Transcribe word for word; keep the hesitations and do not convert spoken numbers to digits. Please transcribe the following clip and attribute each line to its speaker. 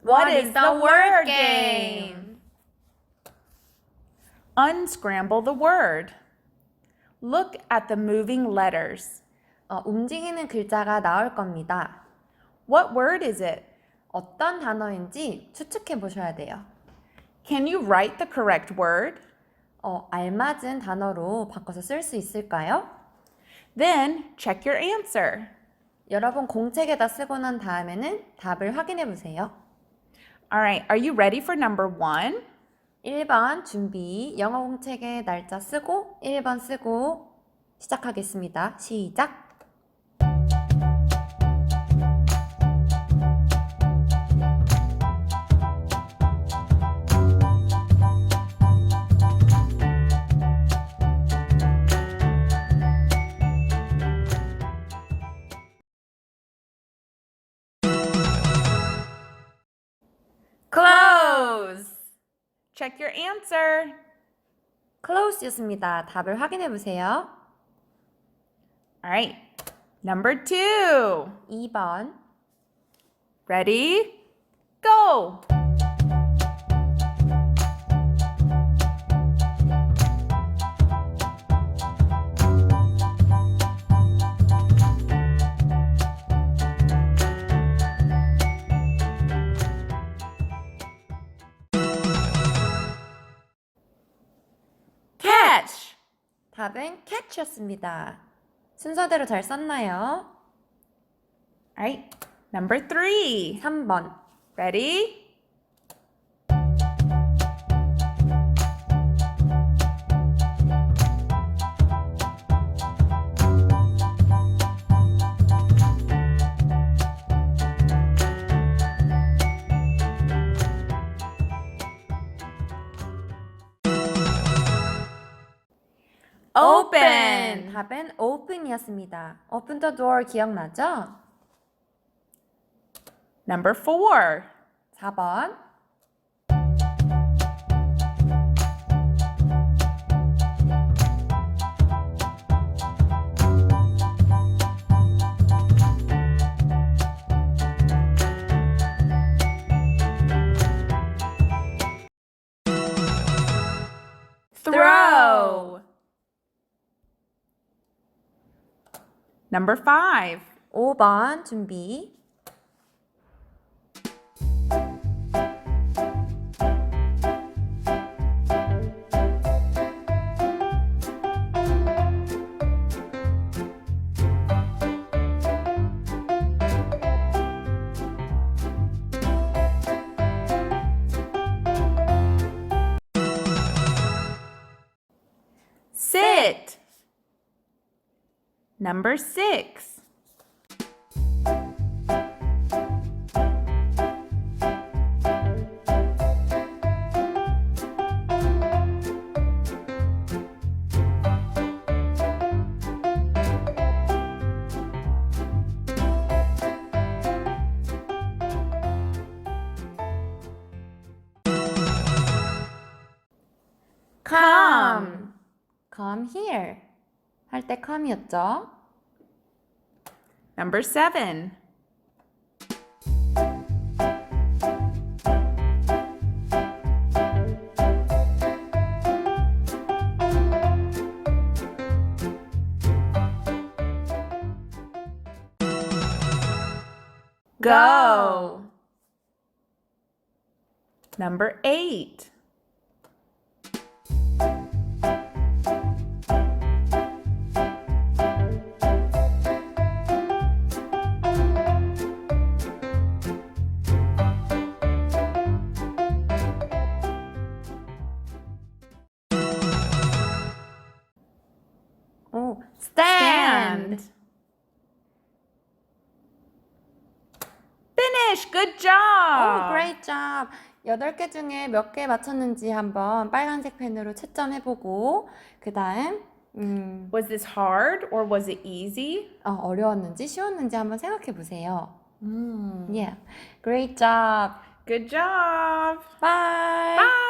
Speaker 1: What is the word game?
Speaker 2: Unscramble the word. Look at the moving letters.
Speaker 1: 어, 움직이는 글자가 나올 겁니다.
Speaker 2: What word is it?
Speaker 1: 어떤 단어인지 추측해 보셔야 돼요.
Speaker 2: Can you write the correct word?
Speaker 1: 어, 알맞은 단어로 바꿔서 쓸 수 있을까요?
Speaker 2: Then check your answer.
Speaker 1: 여러분 공책에다 쓰고 난 다음에는 답을 확인해 보세요.
Speaker 2: Alright, are you ready for number one?
Speaker 1: 일 번 준비, 영어 공책에 날짜 쓰고 일 번 쓰고 시작하겠습니다. 시작!
Speaker 2: Close. Check your answer.
Speaker 1: close였습니다. 답을 확인해 보세요.
Speaker 2: Alright, number two.
Speaker 1: 이 번
Speaker 2: Ready? Go. Catch.
Speaker 1: 답은 catch였습니다. 순서대로 잘 썼나요?
Speaker 2: Alright, number three.
Speaker 1: 삼 번
Speaker 2: Ready? Open.
Speaker 1: 답은 open이었습니다. Open the door 기억나죠?
Speaker 2: Number four.
Speaker 1: 사 번
Speaker 2: Throw. Number five.
Speaker 1: 오 번 준비
Speaker 2: Sit. Number six. Come.
Speaker 1: Come here 할 때 come이었죠?
Speaker 2: Number seven. Go. Number eight.
Speaker 1: 오, stand.
Speaker 2: Finish. Good
Speaker 1: 오,
Speaker 2: job.
Speaker 1: great job. 여덟 개 중에 몇 개 맞췄는지 한번 빨간색 펜으로 채점해보고 그 다음 음,
Speaker 2: Was this hard or was it easy?
Speaker 1: 어, 어려웠는지 쉬웠는지 한번 생각해보세요.
Speaker 2: Mm.
Speaker 1: Yeah, great job.
Speaker 2: Good job.
Speaker 1: Bye.
Speaker 2: Bye.